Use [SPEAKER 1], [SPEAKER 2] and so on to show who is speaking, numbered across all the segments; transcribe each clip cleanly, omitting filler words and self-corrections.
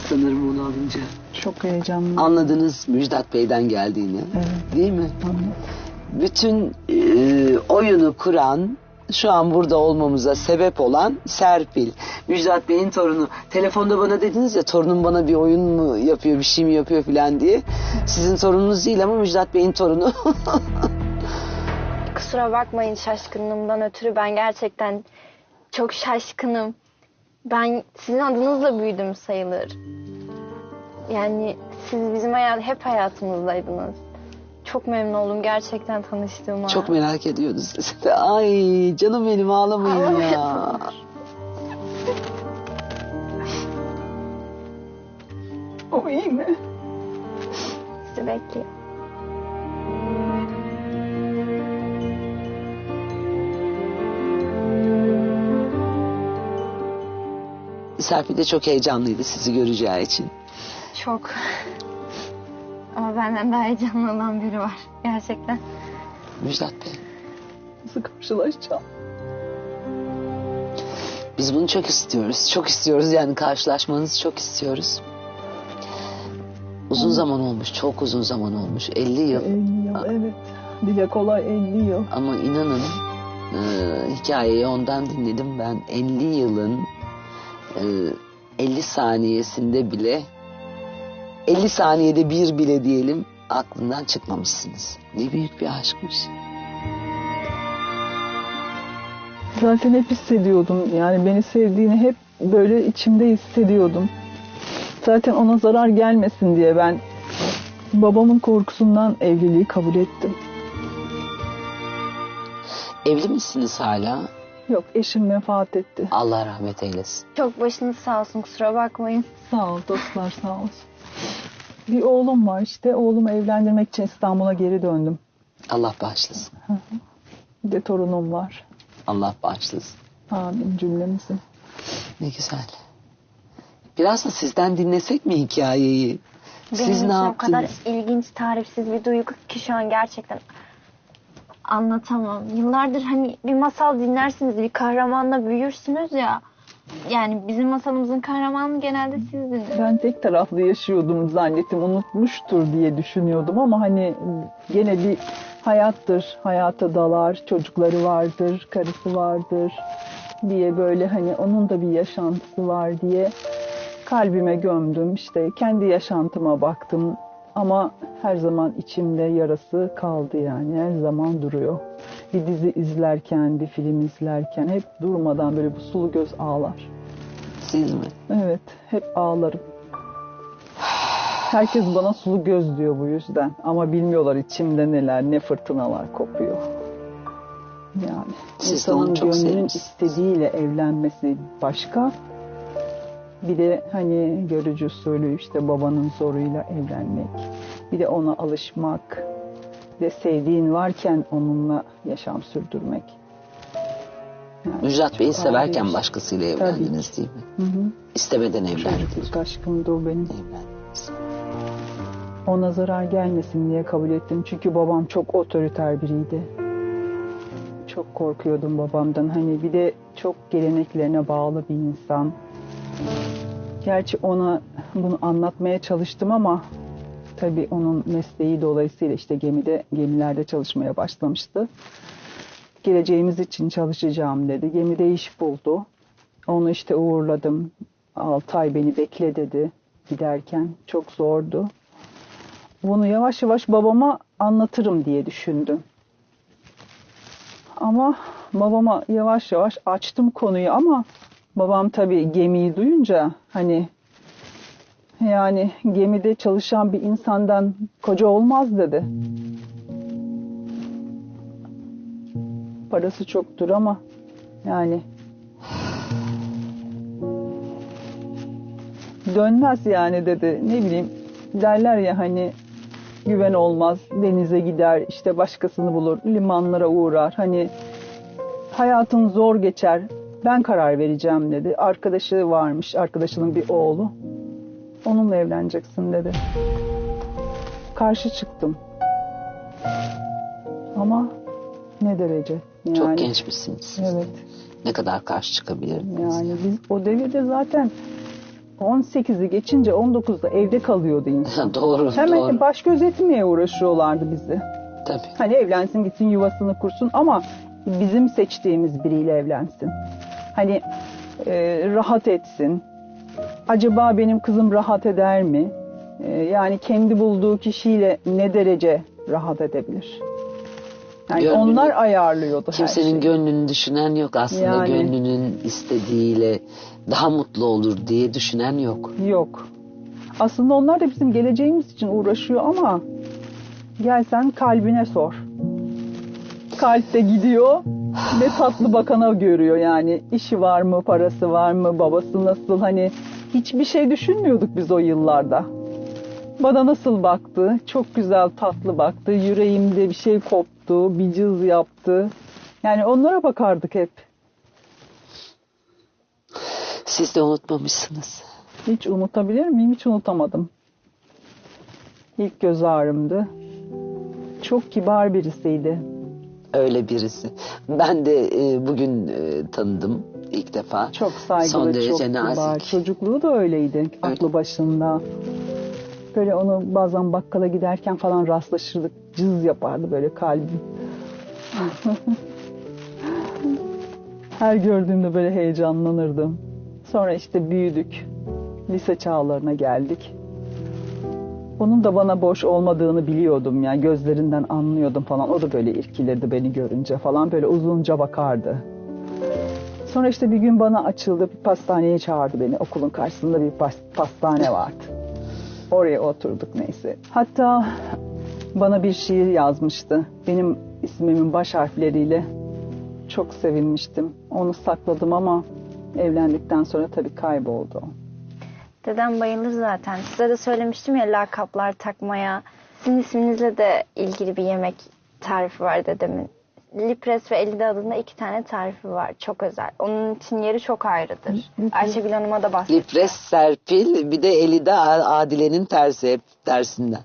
[SPEAKER 1] sanırım onu alınca.
[SPEAKER 2] Çok heyecanlı.
[SPEAKER 1] Anladınız Müjdat Bey'den geldiğini.
[SPEAKER 2] Evet.
[SPEAKER 1] Değil mi?
[SPEAKER 2] Anladım.
[SPEAKER 1] Bütün oyunu kuran, şu an burada olmamıza sebep olan Serpil. Müjdat Bey'in torunu. Telefonda bana dediniz ya, torunum bana bir oyun mu yapıyor, bir şey mi yapıyor falan diye. Sizin torununuz değil ama Müjdat Bey'in torunu.
[SPEAKER 3] Kusura bakmayın şaşkınlığımdan ötürü, ben gerçekten çok şaşkınım. Ben sizin adınızla büyüdüm sayılır. Yani siz bizim hep hayatımızdaydınız. Çok memnun oldum gerçekten tanıştığıma.
[SPEAKER 1] Çok merak ediyordum sizi de. Ay canım benim, ağlamayın ya.
[SPEAKER 2] O iyi mi?
[SPEAKER 3] Sizi bekliyor.
[SPEAKER 1] Serpil de çok heyecanlıydı sizi göreceği için.
[SPEAKER 3] Çok. Ama benden daha heyecanlı olan biri var gerçekten.
[SPEAKER 1] Müjdat Bey.
[SPEAKER 2] Nasıl karşılaşacağım?
[SPEAKER 1] Biz bunu çok istiyoruz. Çok istiyoruz yani, karşılaşmanızı çok istiyoruz. Uzun zaman olmuş. Çok uzun zaman olmuş. 50 yıl.
[SPEAKER 2] 50 yıl, evet. Dile kolay 50 yıl.
[SPEAKER 1] Ama inanın hikayeyi ondan dinledim ben. 50 yılın 50 saniyesinde bile, 50 saniyede bir bile diyelim, aklından çıkmamışsınız. Ne büyük bir aşkmış.
[SPEAKER 2] Zaten hep hissediyordum. Yani beni sevdiğini hep böyle içimde hissediyordum. Zaten ona zarar gelmesin diye ben babamın korkusundan evliliği kabul ettim.
[SPEAKER 1] Evli misiniz hala?
[SPEAKER 2] Yok, eşim vefat etti.
[SPEAKER 1] Allah rahmet eylesin.
[SPEAKER 3] Çok başınız sağ olsun, kusura bakmayın.
[SPEAKER 2] Sağ ol dostlar, sağ olsun. Bir oğlum var işte. Oğlumu evlendirmek için İstanbul'a geri döndüm.
[SPEAKER 1] Allah bağışlasın.
[SPEAKER 2] Bir de torunum var.
[SPEAKER 1] Allah bağışlasın.
[SPEAKER 2] Amin cümlemizin.
[SPEAKER 1] Ne güzel. Biraz da sizden dinlesek mi hikayeyi?
[SPEAKER 3] Benim
[SPEAKER 1] Siz
[SPEAKER 3] için
[SPEAKER 1] ne
[SPEAKER 3] o
[SPEAKER 1] yaptınız?
[SPEAKER 3] kadar ilginç, tarifsiz bir duygu ki şu an gerçekten anlatamam. Yıllardır hani bir masal dinlersiniz, bir kahramanla büyürsünüz ya. Yani bizim masalımızın kahramanı genelde sizdiniz.
[SPEAKER 2] Ben tek taraflı yaşıyordum zannettim. Unutmuştur diye düşünüyordum ama hani gene bir hayattır. Hayata dalar, çocukları vardır, karısı vardır diye böyle hani onun da bir yaşantısı var diye kalbime gömdüm. İşte kendi yaşantıma baktım ama her zaman içimde yarası kaldı yani. Her zaman duruyor. Bir dizi izlerken, bir film izlerken hep durmadan böyle bu sulu göz ağlar.
[SPEAKER 1] Siz mi?
[SPEAKER 2] Evet, hep ağlarım. Herkes bana sulu göz diyor bu yüzden. Ama bilmiyorlar içimde neler, ne fırtınalar kopuyor. Yani
[SPEAKER 1] Siz de onu
[SPEAKER 2] insanın
[SPEAKER 1] çok
[SPEAKER 2] gönlünün
[SPEAKER 1] sevmişsiniz.
[SPEAKER 2] istediğiyle evlenmesi başka. Bir de hani görücü usulü işte babanın zoruyla evlenmek. Bir de ona alışmak. Bir de sevdiğin varken onunla yaşam sürdürmek. Yani
[SPEAKER 1] Müjdat Bey'i
[SPEAKER 2] çok
[SPEAKER 1] severken
[SPEAKER 2] ağır.
[SPEAKER 1] başkasıyla evlendiniz değil mi?
[SPEAKER 2] Hı hı.
[SPEAKER 1] İstemeden evlendiniz.
[SPEAKER 2] Çocukluk aşkımdı o benim.
[SPEAKER 1] Evlendiniz.
[SPEAKER 2] Ona zarar gelmesin diye kabul ettim. Çünkü babam çok otoriter biriydi. Çok korkuyordum babamdan. Hani bir de çok geleneklerine bağlı bir insan. Gerçi ona bunu anlatmaya çalıştım ama tabii onun mesleği dolayısıyla işte gemilerde çalışmaya başlamıştı. Geleceğimiz için çalışacağım dedi. Gemide iş buldu. Onu işte uğurladım. 6 ay beni bekle dedi giderken. Çok zordu. Bunu yavaş yavaş babama anlatırım diye düşündüm. Ama babama yavaş yavaş açtım konuyu ama babam tabii gemiyi duyunca hani yani gemide çalışan bir insandan koca olmaz dedi. Parası çoktur ama yani dönmez yani dedi. Ne bileyim derler ya hani güven olmaz, denize gider, işte başkasını bulur, limanlara uğrar. Hani hayatın zor geçer, ben karar vereceğim dedi. Arkadaşı varmış, arkadaşının bir oğlu. Onunla evleneceksin dedi. Karşı çıktım. Ama ne derece? Yani,
[SPEAKER 1] Çok gençmişsiniz siz.
[SPEAKER 2] Evet.
[SPEAKER 1] Ne kadar karşı çıkabilirdiniz?
[SPEAKER 2] Yani biz o devirde zaten 18'i geçince 19'da evde kalıyordu insan.
[SPEAKER 1] Doğru,
[SPEAKER 2] Hemen
[SPEAKER 1] doğru.
[SPEAKER 2] baş göz etmeye uğraşıyorlardı bizi.
[SPEAKER 1] Tabii.
[SPEAKER 2] Hani evlensin gitsin yuvasını kursun ama bizim seçtiğimiz biriyle evlensin. Hani rahat etsin. Acaba benim kızım rahat eder mi? Yani kendi bulduğu kişiyle ne derece rahat edebilir? Yani
[SPEAKER 1] Gönlünü-
[SPEAKER 2] onlar ayarlıyordu her
[SPEAKER 1] Kimsenin
[SPEAKER 2] şeyi.
[SPEAKER 1] gönlünü düşünen yok aslında.
[SPEAKER 2] Yani.
[SPEAKER 1] Gönlünün istediğiyle daha mutlu olur diye düşünen yok.
[SPEAKER 2] Yok. Aslında onlar da bizim geleceğimiz için uğraşıyor ama gel sen kalbine sor. Kalp de gidiyor. Ne tatlı bakana görüyor yani. İşi var mı, parası var mı, babası nasıl, hani hiçbir şey düşünmüyorduk biz o yıllarda. Bana nasıl baktı, çok güzel tatlı baktı, yüreğimde bir şey koptu, bir cız yaptı. Yani onlara bakardık hep.
[SPEAKER 1] Siz de unutmamışsınız.
[SPEAKER 2] Hiç unutabilir miyim? Hiç unutamadım. İlk göz ağrımdı. Çok kibar birisiydi.
[SPEAKER 1] Öyle birisi. Ben de bugün tanıdım ilk defa.
[SPEAKER 2] Çok saygılı,
[SPEAKER 1] Son derece
[SPEAKER 2] çok kibar.
[SPEAKER 1] nazik.
[SPEAKER 2] Çocukluğu da öyleydi. Aklı başında. Böyle onu bazen bakkala giderken falan rastlaşırdık. Cız yapardı böyle kalbim. Her gördüğümde böyle heyecanlanırdım. Sonra işte büyüdük. Lise çağlarına geldik. Onun da bana boş olmadığını biliyordum ya. Gözlerinden anlıyordum falan. O da böyle irkilirdi beni görünce falan. Böyle uzunca bakardı. Sonra işte bir gün bana açıldı. Bir pastaneye çağırdı beni. Okulun karşısında bir pastane vardı. Oraya oturduk neyse. Hatta bana bir şiir yazmıştı. Benim ismimin baş harfleriyle. Çok sevinmiştim. Onu sakladım ama evlendikten sonra tabii kayboldu.
[SPEAKER 3] Dedem bayılır zaten. Size de söylemiştim ya lakaplar takmaya. Sizin isminizle de ilgili bir yemek tarifi var dedemin. Lipres ve Elide adında 2 tane tarifi var. Çok özel. Onun için yeri çok ayrıdır. Ayşegül Hanım'a da bahsettim.
[SPEAKER 1] Lipres Serpil, bir de Elide Adile'nin tersi, hep tersinden.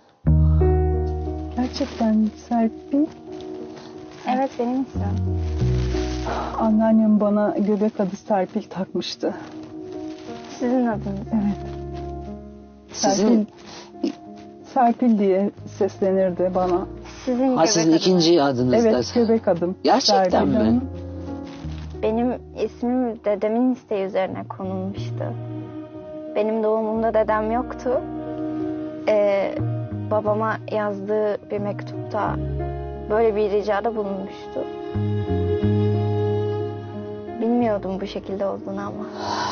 [SPEAKER 2] Gerçekten Serpil.
[SPEAKER 3] Evet benim ismim.
[SPEAKER 2] Anneannem bana göbek adı Serpil takmıştı.
[SPEAKER 3] Sizin adınız.
[SPEAKER 2] Evet.
[SPEAKER 1] Sizin,
[SPEAKER 2] Serpil diye seslenirdi bana.
[SPEAKER 3] Sizin
[SPEAKER 1] ha,
[SPEAKER 3] göbek
[SPEAKER 1] sizin
[SPEAKER 3] adınız.
[SPEAKER 1] ikinci adınız
[SPEAKER 2] Evet,
[SPEAKER 1] da.
[SPEAKER 2] göbek adım.
[SPEAKER 1] Gerçekten
[SPEAKER 2] Serpil
[SPEAKER 1] mi?
[SPEAKER 2] Hanım.
[SPEAKER 3] Benim ismim dedemin isteği üzerine konulmuştu. Benim doğumumda dedem yoktu. Babama yazdığı bir mektupta böyle bir ricada bulunmuştu. Bilmiyordum bu şekilde olduğunu ama.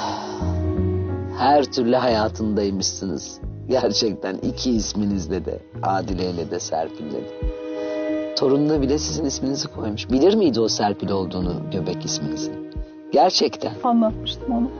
[SPEAKER 1] Her türlü hayatındaymışsınız. Gerçekten iki isminizle de, Adile ile de Serpil'le de. Torununa bile sizin isminizi koymuş. Bilir miydi o Serpil olduğunu, göbek isminizi? Gerçekten.
[SPEAKER 2] Anlatmıştım onu.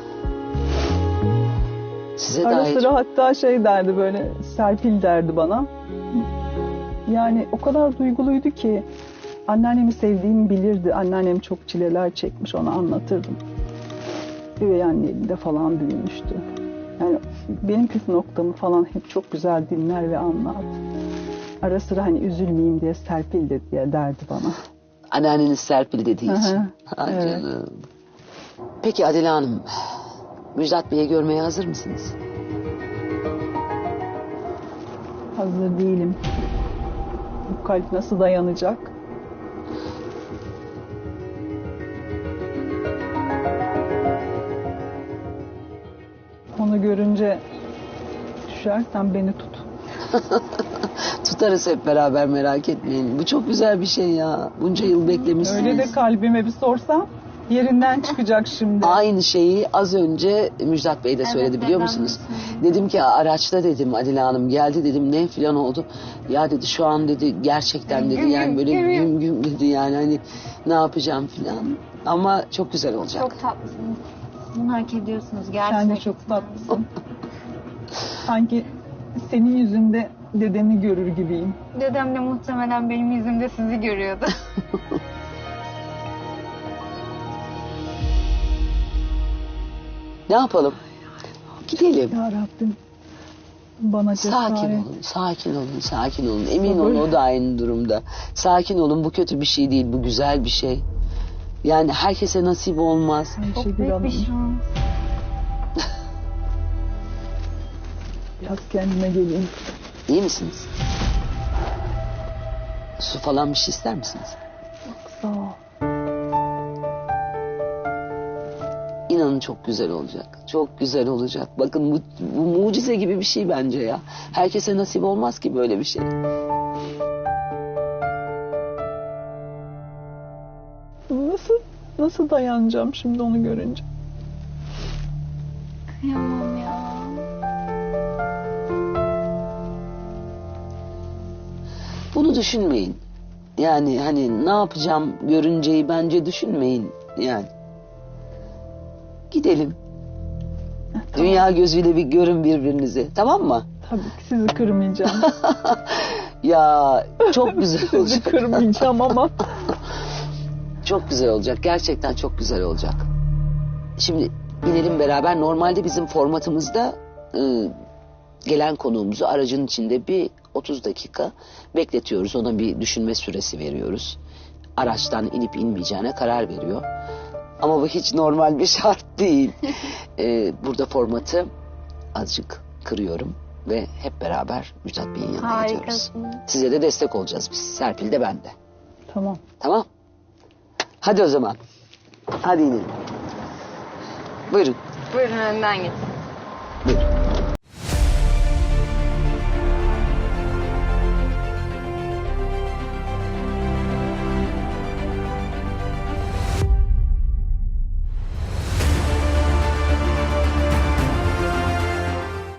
[SPEAKER 1] Size
[SPEAKER 2] Ara
[SPEAKER 1] dair
[SPEAKER 2] sıra hatta şey derdi böyle, Serpil derdi bana. Yani o kadar duyguluydu ki anneannemi sevdiğimi bilirdi. Anneannem çok çileler çekmiş, ona anlatırdım. Üvey annemde falan büyümüştü. Yani benim püf noktamı falan hep çok güzel dinler ve anlar. Ara sıra hani üzülmeyeyim diye Serpil de diye derdi bana.
[SPEAKER 1] anneanneniz Serpil dediği için.
[SPEAKER 2] Hı hı,
[SPEAKER 1] Ay
[SPEAKER 2] evet.
[SPEAKER 1] canım. Peki Adile Hanım, Müjdat Bey'i görmeye hazır mısınız?
[SPEAKER 2] Hazır değilim. Bu kalp nasıl dayanacak? Onu görünce düşersen beni tut.
[SPEAKER 1] Tutarız hep beraber, merak etmeyin. Bu çok güzel bir şey ya. Bunca yıl beklemişsiniz.
[SPEAKER 2] Öyle de kalbime bir sorsam yerinden çıkacak şimdi.
[SPEAKER 1] Aynı şeyi az önce Müjdat Bey de söyledi,
[SPEAKER 3] Evet,
[SPEAKER 1] biliyor
[SPEAKER 3] neden
[SPEAKER 1] musunuz?
[SPEAKER 3] misin?
[SPEAKER 1] Dedim ki araçta dedim, Adile Hanım geldi dedim, ne filan oldu. Ya dedi şu an dedi gerçekten dedi, yani böyle güm güm dedi, yani hani ne yapacağım filan. Ama çok güzel olacak.
[SPEAKER 3] Çok tatlısınız. Bunu hak ediyorsunuz
[SPEAKER 2] Sen
[SPEAKER 3] gerçekten.
[SPEAKER 2] de çok tatlısın. Sanki senin yüzünde dedemi görür gibiyim.
[SPEAKER 3] Dedem de muhtemelen benim yüzümde sizi görüyordu.
[SPEAKER 1] Ne yapalım? Gidelim.
[SPEAKER 2] Ya Rabbim bana cesaret.
[SPEAKER 1] Sakin olun, sakin olun, sakin olun. Emin
[SPEAKER 2] Sabır.
[SPEAKER 1] olun, o da aynı durumda. Sakin olun, bu kötü bir şey değil, bu güzel bir şey. Yani herkese nasip olmaz.
[SPEAKER 3] Çok
[SPEAKER 2] Ayşegül
[SPEAKER 3] büyük
[SPEAKER 2] Hanım.
[SPEAKER 3] bir şans.
[SPEAKER 2] Biraz kendime geleyim.
[SPEAKER 1] İyi misiniz? Su falan bir şey ister misiniz?
[SPEAKER 2] Sağ ol.
[SPEAKER 1] İnanın çok güzel olacak. Çok güzel olacak. Bakın bu mucize gibi bir şey bence ya. Herkese nasip olmaz ki böyle bir şey.
[SPEAKER 2] Nasıl dayanacağım şimdi onu görünce?
[SPEAKER 3] Kıyamam ya.
[SPEAKER 1] Bunu düşünmeyin. Yani hani ne yapacağım görünceyi bence düşünmeyin. Yani gidelim. Dünya gözüyle bir görün birbirinizi. Tamam mı?
[SPEAKER 2] Tabii ki sizi kırmayacağım.
[SPEAKER 1] Ya çok güzel
[SPEAKER 2] Sizi
[SPEAKER 1] olacak.
[SPEAKER 2] kırmayacağım ama.
[SPEAKER 1] Çok güzel olacak. Gerçekten çok güzel olacak. Şimdi inelim beraber. Normalde bizim formatımızda gelen konuğumuzu aracın içinde bir 30 dakika bekletiyoruz. Ona bir düşünme süresi veriyoruz. Araçtan inip inmeyeceğine karar veriyor. Ama bu hiç normal bir şart değil. Burada formatı azıcık kırıyorum ve hep beraber Müjdat Bey'in yanına gidiyoruz.
[SPEAKER 3] Harikasın.
[SPEAKER 1] Size de destek olacağız biz. Serpil de ben de.
[SPEAKER 2] Tamam.
[SPEAKER 1] Tamam. Hadi o zaman. Hadi inelim. Buyurun.
[SPEAKER 3] Buyurun önden gidin.